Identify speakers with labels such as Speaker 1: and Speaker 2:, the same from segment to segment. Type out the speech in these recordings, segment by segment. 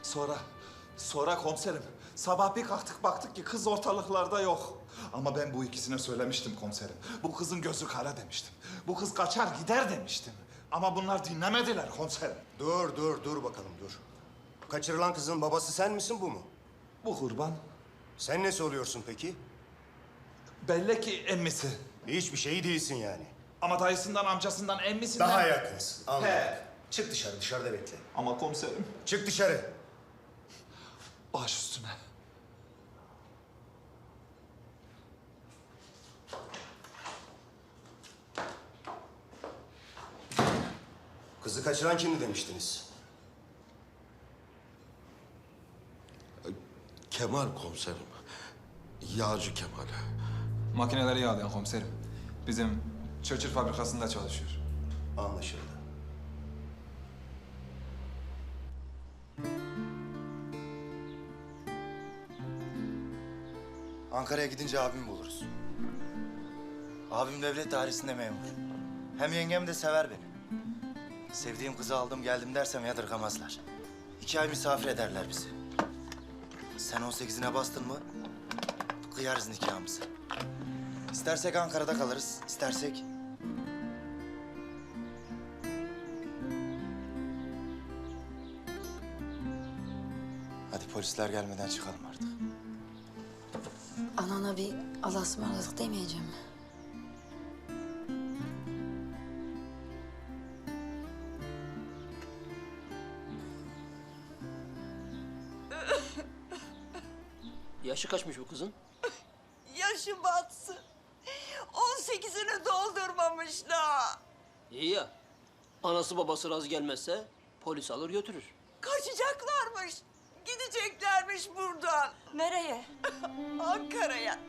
Speaker 1: Sonra komiserim. Sabah bir kalktık baktık ki kız ortalıklarda yok. Ama ben bu ikisine söylemiştim komiserim. Bu kızın gözü kara demiştim. Bu kız kaçar gider demiştim. Ama bunlar dinlemediler komiserim.
Speaker 2: Dur bakalım dur. Kaçırılan kızın babası sen misin bu mu?
Speaker 1: Bu kurban
Speaker 2: Sen nesi oluyorsun peki?
Speaker 1: belli ki emmisi.
Speaker 2: Hiçbir şey değilsin yani.
Speaker 1: Ama dayısından, amcasından, emmisinden...
Speaker 2: Daha yakınsın. Anladım.
Speaker 1: He.
Speaker 2: Çık dışarı, dışarıda bekle.
Speaker 1: Ama komiserim
Speaker 2: Çık dışarı.
Speaker 1: baş üstüne.
Speaker 2: Kızı kaçıran kimdi demiştiniz?
Speaker 3: Kemal komiserim. Yağcı Kemal.
Speaker 4: Makineleri yağlayan komiserim. Bizim çöçür fabrikasında çalışıyor.
Speaker 2: Anlaşıldı.
Speaker 5: Ankara'ya gidince abimi buluruz. Abim devlet dairesinde memur. Hem yengem de sever beni. Sevdiğim kızı aldım geldim dersem yadırgamazlar. 2 ay misafir ederler bizi. Sen 18'ine bastın mı kıyarız nikahımızı. İstersek Ankara'da kalırız, istersek... Hadi polisler gelmeden çıkalım artık.
Speaker 6: Anana bir Allah'a ısmarladık demeyeceğim mi?
Speaker 7: Yaşı kaçmış bu kızın?
Speaker 8: Yaşı batsın. 18'ini doldurmamış daha.
Speaker 7: İyi ya. Anası babası razı gelmezse polis alır götürür.
Speaker 8: Kaçacaklarmış. Gideceklermiş buradan.
Speaker 6: Nereye?
Speaker 8: Ankara'ya.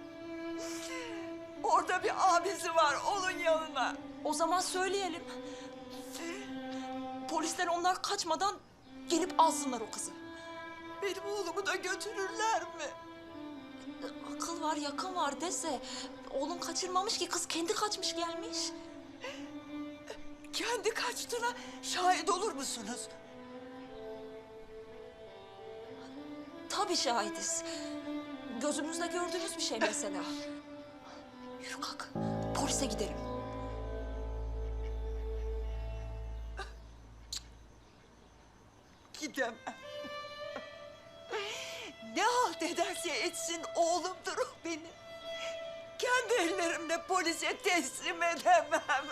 Speaker 8: Orada bir abisi var, onun yanına.
Speaker 6: O zaman söyleyelim. Polisler onlar kaçmadan gelip alsınlar o kızı.
Speaker 8: Benim oğlumu da götürürler mi?
Speaker 6: Akıl var, yakın var dese. Oğlum kaçırmamış ki, kız kendi kaçmış gelmiş.
Speaker 8: Kendi kaçtığına şahit olur musunuz?
Speaker 6: Tabii şahidiz. Gözümüzle gördüğümüz bir şey mesela. Yürü kalk, polise gidelim.
Speaker 8: Gidemem. Ne halt ederse etsin oğlumdur o benim. Kendi ellerimle polise teslim edemem.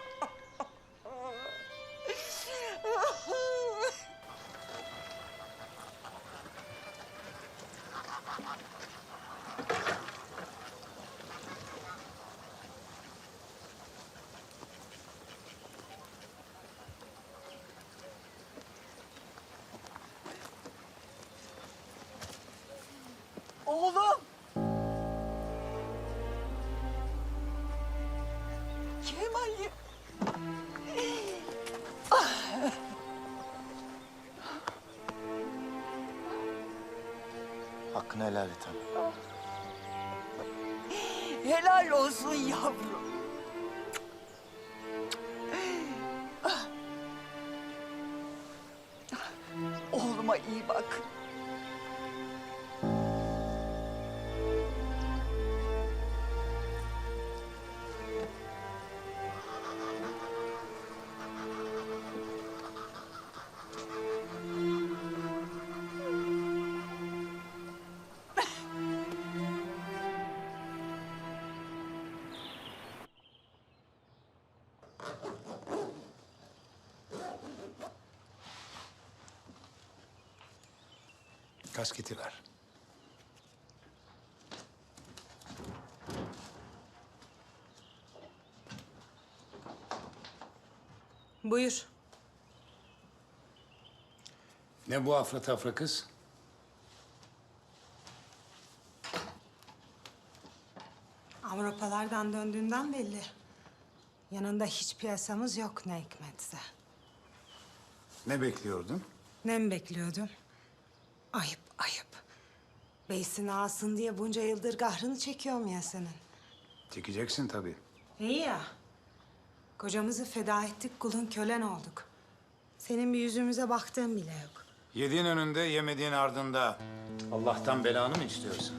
Speaker 8: Oğlum! Kemal'im!
Speaker 5: Hakkını helal et hanım.
Speaker 8: Helal olsun yavrum. Oğluma iyi bak.
Speaker 2: Kasketi ver.
Speaker 9: Buyur.
Speaker 10: Ne bu afra tafra kız?
Speaker 9: Avrupalardan döndüğünden belli. Yanında hiç piyasamız yok ne hikmetse.
Speaker 10: Ne bekliyordun?
Speaker 9: Ne mi bekliyordum? Ayıp, ayıp. Beysin ağasın diye bunca yıldır kahrını çekiyorum ya senin.
Speaker 10: Çekeceksin tabii.
Speaker 9: İyi ya. Kocamızı feda ettik, kulun kölen olduk. Senin bir yüzümüze baktığın bile yok.
Speaker 10: Yediğin önünde, yemediğin ardında. Allah'tan belanı mı istiyorsun?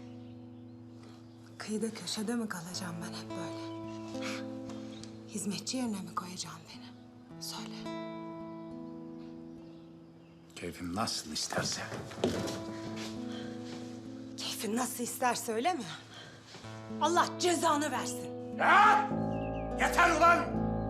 Speaker 9: Kıyıda köşede mi kalacağım ben hep böyle? Hizmetçi yerine mi koyacaksın beni? Söyle.
Speaker 10: Keyfim nasıl isterse.
Speaker 9: Keyfin nasıl isterse öyle mi? Allah cezanı versin.
Speaker 10: Yeter ulan!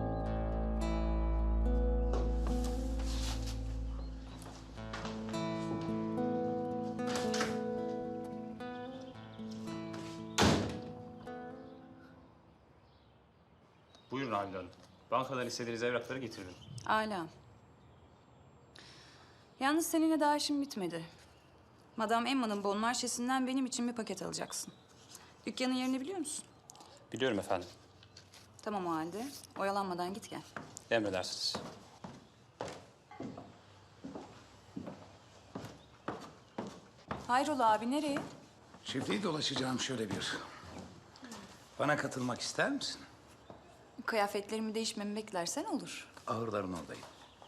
Speaker 11: Buyurun Halide Hanım. Bankadan istediğiniz evrakları getiririm.
Speaker 12: Âlâ. Yalnız seninle daha işim bitmedi. Madame Emma'nın bon marşesinden benim için bir paket alacaksın. Dükkanın yerini biliyor musun?
Speaker 11: Biliyorum efendim.
Speaker 12: Tamam o halde. Oyalanmadan git gel.
Speaker 11: Emredersiniz.
Speaker 12: Hayrola abi nereye?
Speaker 10: Çiftliği dolaşacağım şöyle bir. Bana katılmak ister misin?
Speaker 12: Kıyafetlerimi değişmemi beklersen olur.
Speaker 10: Ağırların oradayım.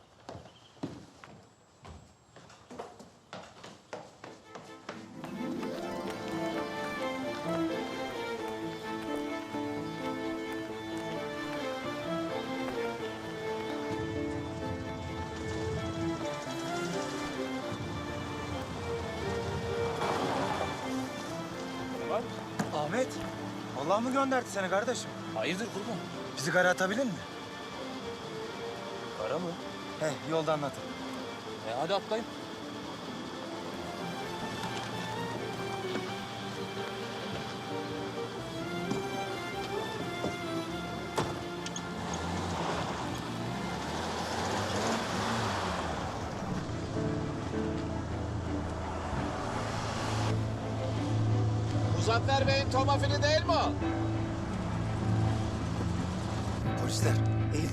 Speaker 5: Ahmet, Allah mı gönderdi seni kardeşim?
Speaker 11: Hayırdır kurban?
Speaker 5: Bizi kara atabilir mi?
Speaker 11: Para mı?
Speaker 5: He, yolda anlatın.
Speaker 11: Hadi atlayın.
Speaker 3: Muzaffer Bey'in tomafili değil mi o?
Speaker 5: Polisler, eğil.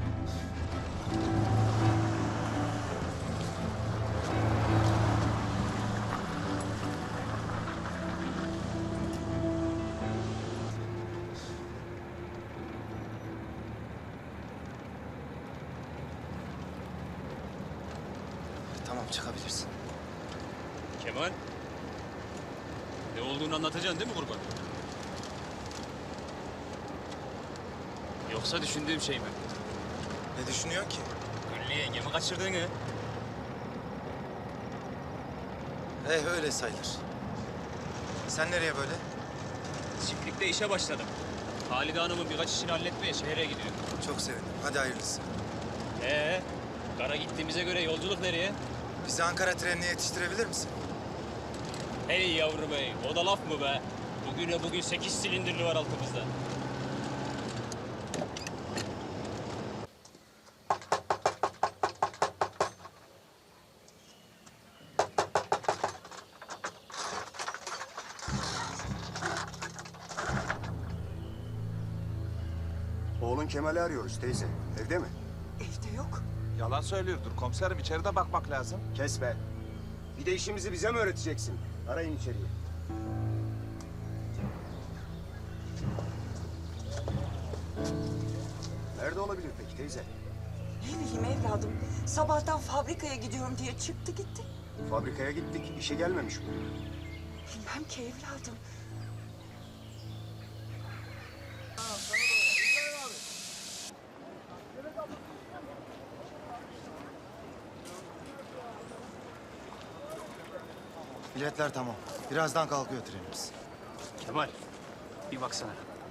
Speaker 5: Tamam, çıkabilirsin.
Speaker 11: Kemal. Ne olduğunu anlatacaksın değil mi kurban? Yoksa düşündüğüm şey mi?
Speaker 5: Ne düşünüyorsun ki?
Speaker 11: Güllü yengemi kaçırdığını.
Speaker 5: Öyle sayılır. Sen nereye böyle?
Speaker 11: Çiftlikte işe başladım. Halide Hanım'ın birkaç işini halletmeye şehre gidiyor.
Speaker 5: Çok sevindim. Hadi hayırlısı.
Speaker 11: Kara gittiğimize göre yolculuk nereye?
Speaker 5: Bizi Ankara trenine yetiştirebilir misin?
Speaker 11: Hey yavrum hey, o da laf mı be? Bugün 8 silindirli var altımızda.
Speaker 2: Oğlun Kemal'i arıyoruz teyze. Evde mi?
Speaker 8: Evde yok.
Speaker 1: Yalan söylüyordur komiserim. İçeride bakmak lazım.
Speaker 2: Kes be. Bir de işimizi bize mi öğreteceksin? Arayın içeriye. Nerede olabilir peki teyze?
Speaker 8: Ne bileyim evladım. Sabahtan fabrikaya gidiyorum diye çıktı gitti.
Speaker 2: Fabrikaya gittik. İşe gelmemiş bu.
Speaker 8: Bilmem ki evladım.
Speaker 5: Biletler tamam. Birazdan kalkıyor trenimiz.
Speaker 11: Kemal, bir baksana.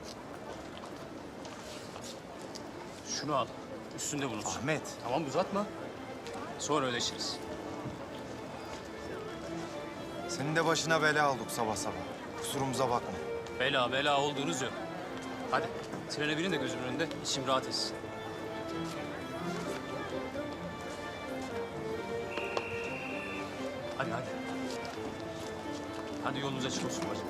Speaker 11: Şunu al, üstünde bulunsun.
Speaker 5: Ahmet.
Speaker 11: Tamam uzatma. Sonra ödeşiriz.
Speaker 5: Senin de başına bela olduk sabah sabah. Kusurumuza bakma.
Speaker 11: Bela olduğunuz yok. Hadi, trene binin de gözümün önünde, içim rahat etsin. Hadi. Hadi yolunuz açık olsun bacım.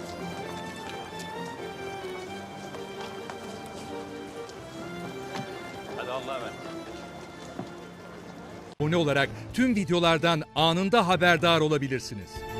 Speaker 11: Hadi Allah'a emanet.
Speaker 13: Abone olarak tüm videolardan anında haberdar olabilirsiniz.